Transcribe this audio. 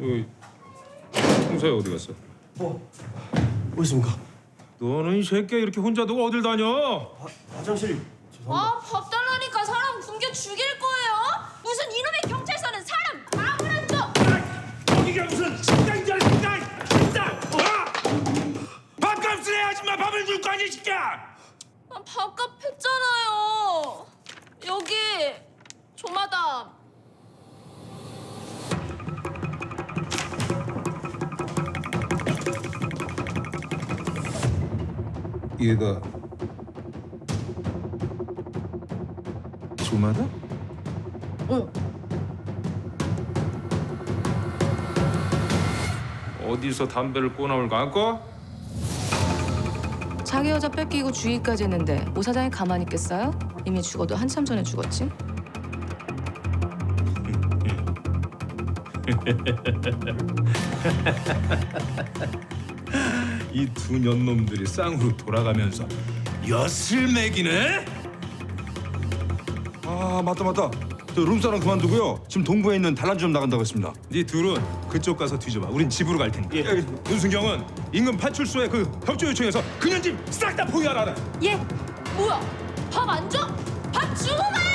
홍사야 어디 갔어? 어디 있습니까? 너는 이 새끼야 이렇게 혼자 두고 어딜 다녀? 화장실 죄송합니다. 밥 달라니까 사람 굶겨 죽일 거예요? 무슨 이놈의 경찰서는 사람 밥을 안 줘! 여기가 무슨 식당이야 식당! 식당! 밥값을 해야지 마 밥을 줄 거 아니야 새끼야! 밥값 했잖아요. 여기 조마담. 얘가 조마다? 응. 어디서 담배를 꼬나올 까고? 자기 여자 뺏기고 주의까지 했는데 오 사장이 가만히 있겠어요? 이미 죽어도 한참 전에 죽었지. 이 두 년놈들이 쌍으로 돌아가면서 엿을 매기네? 아 맞다. 저 룸사롱 그만두고요. 지금 동부에 있는 단란주점 나간다고 했습니다. 네 둘은 그쪽 가서 뒤져봐. 우린 집으로 갈 테니까. 윤순경은 인근 파출소에 그 협조 요청해서 그년 집 싹 다 포위하라. 얘 뭐야? 밥 안 줘? 밥 주고 가!